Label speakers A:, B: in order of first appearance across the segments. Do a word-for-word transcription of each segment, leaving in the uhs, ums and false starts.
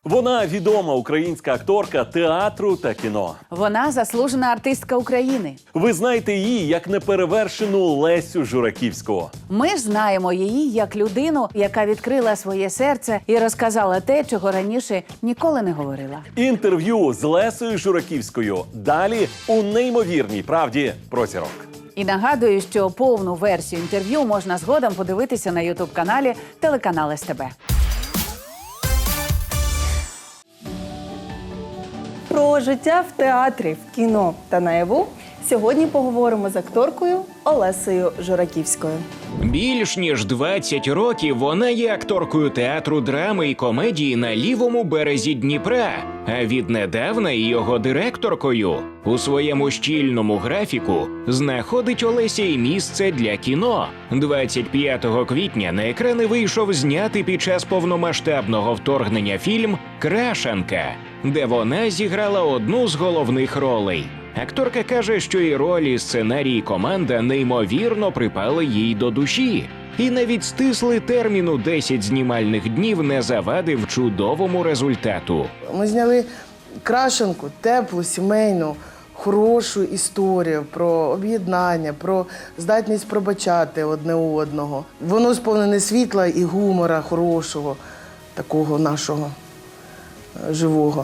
A: Вона відома українська акторка театру та кіно.
B: Вона заслужена артистка України.
A: Ви знаєте її як неперевершену Лесю Жураківську.
B: Ми ж знаємо її як людину, яка відкрила своє серце і розказала те, чого раніше ніколи не говорила.
A: Інтерв'ю з Лесею Жураківською далі у неймовірній правді про зірок.
B: І нагадую, що повну версію інтерв'ю можна згодом подивитися на ютуб-каналі телеканал ес те бе.
C: Про життя в театрі, в кіно та наяву сьогодні поговоримо з акторкою Олесею Жураківською.
D: Більш ніж двадцять років вона є акторкою театру драми і комедії на лівому березі Дніпра, а віднедавна і його директоркою. У своєму щільному графіку знаходить Олеся і місце для кіно. двадцять п'ятого квітня на екрани вийшов знятий під час повномасштабного вторгнення фільм «Крашанка», де вона зіграла одну з головних ролей. Акторка каже, що і ролі, сценарій, і команда неймовірно припали їй до душі. І навіть стислий термін у десять знімальних днів не завадив чудовому результату.
E: Ми зняли крашенку, теплу, сімейну, хорошу історію про об'єднання, про здатність пробачати одне одного. Воно сповнене світла і гумора хорошого, такого нашого живого.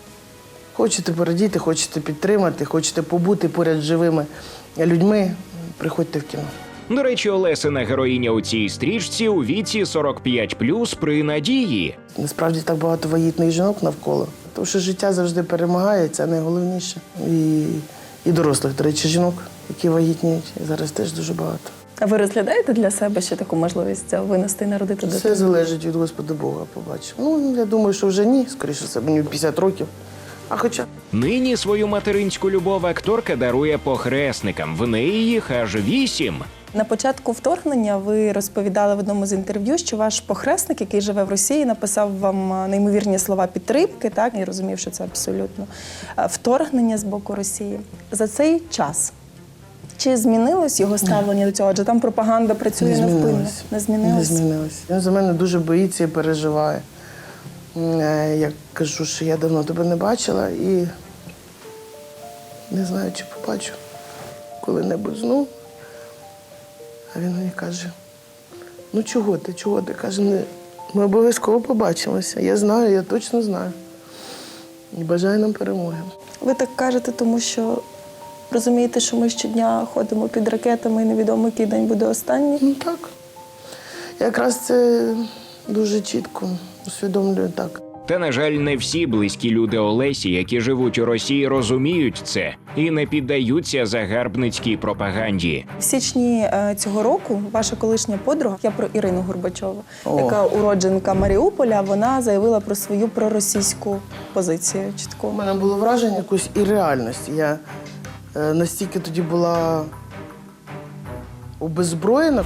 E: Хочете порадіти, хочете підтримати, хочете побути поряд з живими людьми – приходьте в кіно.
D: До речі, Олесина героїня у цій стрічці у віці сорок п'ять плюс при надії.
E: Насправді так багато вагітних жінок навколо. Тому що життя завжди перемагає, це найголовніше. І, і дорослих, до речі, жінок, які вагітніють, зараз теж дуже багато.
C: А ви розглядаєте для себе ще таку можливість винести і народити дитину?
E: Все залежить від Господа Бога, побачимо. Ну, я думаю, що вже ні, скоріше це мені п'ятдесят років. А хоча...
D: Нині свою материнську любов акторка дарує похресникам. В неї їх аж вісім.
C: На початку вторгнення ви розповідали в одному з інтерв'ю, що ваш похресник, який живе в Росії, написав вам неймовірні слова підтримки, так? І розумів, що це абсолютно вторгнення з боку Росії. За цей час чи змінилось його ставлення до цього? Адже там пропаганда працює
E: Не
C: невпинно.
E: змінилось.
C: Не змінилось?
E: Не змінилось. Він за мене дуже боїться і переживає. Я кажу, що я давно тебе не бачила і не знаю, чи побачу коли-небудь знову. А він мені каже, ну чого ти, чого ти? Каже, ми обов'язково побачимося. Я знаю, я точно знаю. І бажаю нам перемоги.
C: Ви так кажете, тому що розумієте, що ми щодня ходимо під ракетами і невідомо, який день буде останній?
E: Ну так. Якраз це дуже чітко усвідомлюю так.
D: Та, на жаль, не всі близькі люди Олесі, які живуть у Росії, розуміють це і не піддаються загарбницькій пропаганді.
C: В січні е, цього року ваша колишня подруга, я про Ірину Горбачову,
E: О.
C: яка уродженка Маріуполя, вона заявила про свою проросійську позицію
E: У
C: чітко.
E: мене було враження якоїсь і реальності. Я е, настільки тоді була обезброєна.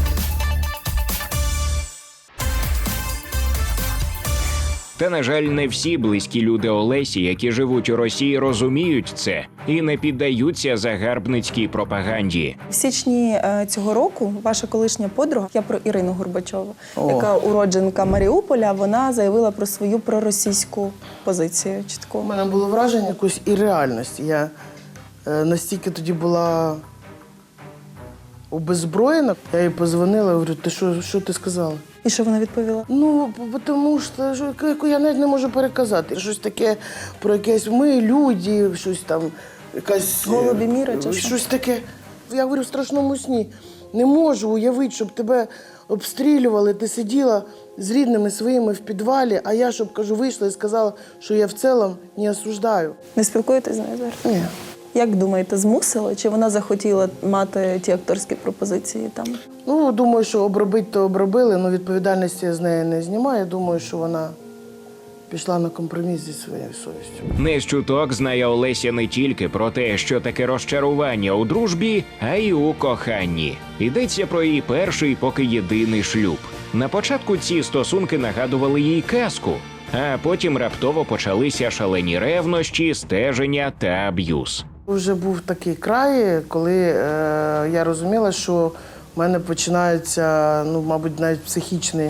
D: Та, на жаль, не всі близькі люди Олесі, які живуть у Росії, розуміють це і не піддаються загарбницькій пропаганді.
C: В січні е, цього року ваша колишня подруга, я про Ірину Горбачову,
E: О.
C: яка уродженка Маріуполя, вона заявила про свою проросійську позицію
E: У
C: чітко.
E: мене було враження якоїсь і реальності. Я е, настільки тоді була обезброєна. Я їй позвонила, говорю, ти що, що ти сказала?
C: І що вона відповіла?
E: Ну, бо- тому що що, яку я навіть не можу переказати. Щось таке про якесь ми, люди, щось там, якась... е,
C: Голубі міри чи що?
E: Щось таке. Я говорю, в страшному сні. Не можу уявити, щоб тебе обстрілювали, ти сиділа з рідними своїми в підвалі, а я, щоб, кажу, вийшла і сказала, що я в цілому не осуждаю.
C: Не спілкуєтесь з нею зараз?
E: Ні.
C: Як думаєте, змусила? Чи вона захотіла мати ті акторські пропозиції там?
E: Ну, думаю, що обробити то обробили, але відповідальності я з неї не знімаю. Думаю, що вона пішла на компроміс зі своєю совістю.
D: Не з чуток знає Олеся не тільки про те, що таке розчарування у дружбі, а й у коханні. Йдеться про її перший, поки єдиний шлюб. На початку ці стосунки нагадували їй казку, а потім раптово почалися шалені ревнощі, стеження та аб'юз.
E: Вже був такий край, коли е, я розуміла, що в мене починається, ну, мабуть, навіть психічний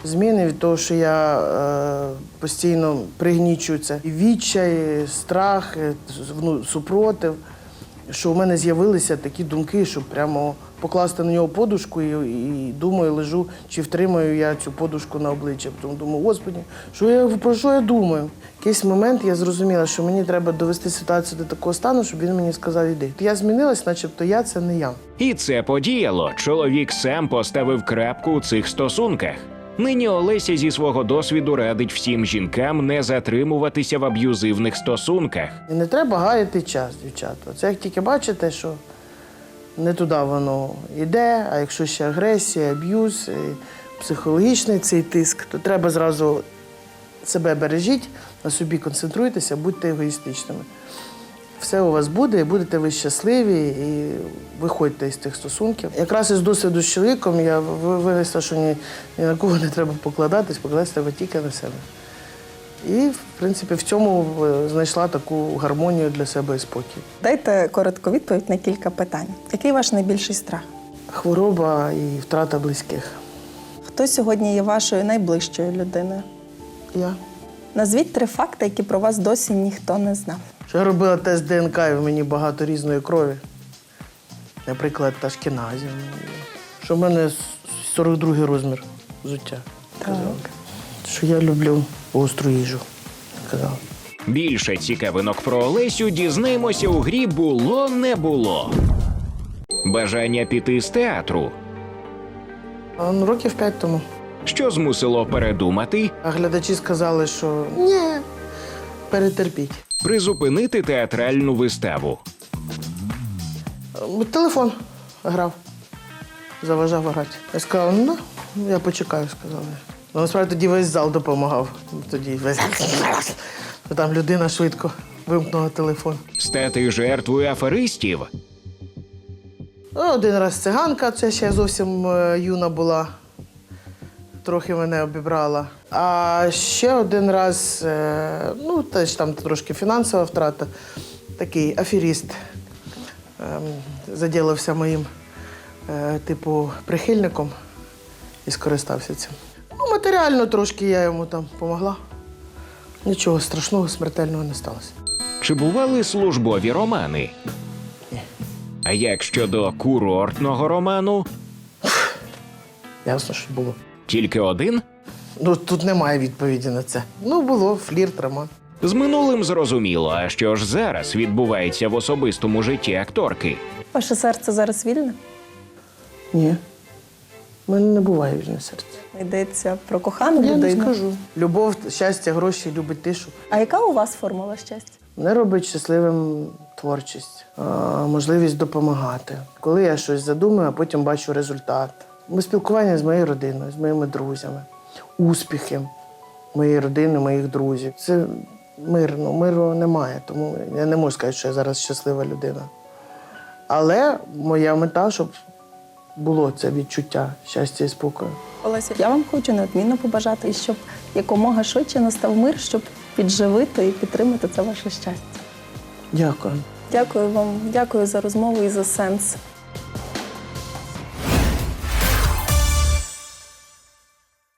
E: зміни від того, що я е, постійно пригнічую це. І відчай, і страх, і, ну, супротив, що у мене з'явилися такі думки, що прямо покласти на нього подушку і, і думаю, лежу, чи втримаю я цю подушку на обличчя. Тому думаю, Господи, що я, про що я думаю? В якийсь момент я зрозуміла, що мені треба довести ситуацію до такого стану, щоб він мені сказав, іди. Я змінилась, начебто я – це не я.
D: І це подіяло. Чоловік сам поставив крапку у цих стосунках. Нині Олеся зі свого досвіду радить всім жінкам не затримуватися в аб'юзивних стосунках.
E: І не треба гаяти час, дівчата. Це як тільки бачите, що не туди воно йде, а якщо ще агресія, аб'юз, психологічний цей тиск, то треба зразу себе бережіть, на собі концентруйтеся, будьте егоїстичними. Все у вас буде, і будете ви щасливі, і виходьте із тих стосунків. Якраз із досвіду з чоловіком я вивезла, що ні, ні на кого не треба покладатись, покладатися треба тільки на себе. І, в принципі, в цьому знайшла таку гармонію для себе і спокій.
C: Дайте коротку відповідь на кілька питань. Який ваш найбільший страх?
E: Хвороба і втрата близьких.
C: Хто сьогодні є вашою найближчою людиною?
E: Я.
C: Назвіть три факти, які про вас досі ніхто не знав.
E: Що я робила тест ДНК, і в мені багато різної крові. Наприклад, ашкеназів. Що в мене сорок другий розмір взуття. Казала. Що я люблю гостру їжу. Казала.
D: Більше цікавинок про Олесю дізнаємося у грі «Було-не було». Бажання піти з театру.
E: А, ну, років п'ять тому.
D: Що змусило передумати?
E: А глядачі сказали, що ні, перетерпіть.
D: Призупинити театральну виставу.
E: А, телефон грав, заважав грати. Я сказала, ну, я почекаю, сказали. Ну, насправді тоді весь зал допомагав. Тоді весь... Там людина швидко вимкнула телефон.
D: Стати жертвою аферистів.
E: Один раз циганка, це ще зовсім е, юна була, трохи мене обібрала. А ще один раз, е, ну, теж там трошки фінансова втрата, такий аферіст е, заділився моїм, е, типу, прихильником і скористався цим. Ну, матеріально трошки я йому там допомогла. Нічого страшного, смертельного не сталося.
D: Чи бували службові романи?
E: Ні.
D: А як щодо курортного роману?
E: Ясно, що було.
D: Тільки один?
E: Ну, тут немає відповіді на це. Ну, було, флірт, роман.
D: З минулим зрозуміло, а що ж зараз відбувається в особистому житті акторки?
C: Ваше серце зараз вільне?
E: Ні. У мене не буває вільне серце.
C: Йдеться про кохану
E: Я
C: людину.
E: не скажу. Любов, щастя, гроші, любить тишу.
C: А яка у вас формула щастя?
E: Мене робить щасливим творчість, а, можливість допомагати. Коли я щось задумаю, а потім бачу результат. Ми спілкування з моєю родиною, з моїми друзями, успіхи моєї родини, моїх друзів. Це мир, ну, миру немає, тому я не можу сказати, що я зараз щаслива людина. Але моя мета, щоб було це відчуття щастя і спокою.
C: Олеся, я вам хочу неодмінно побажати, щоб якомога швидше настав мир, щоб підживити і підтримати це ваше щастя.
E: Дякую.
C: Дякую вам, дякую за розмову і за сенс.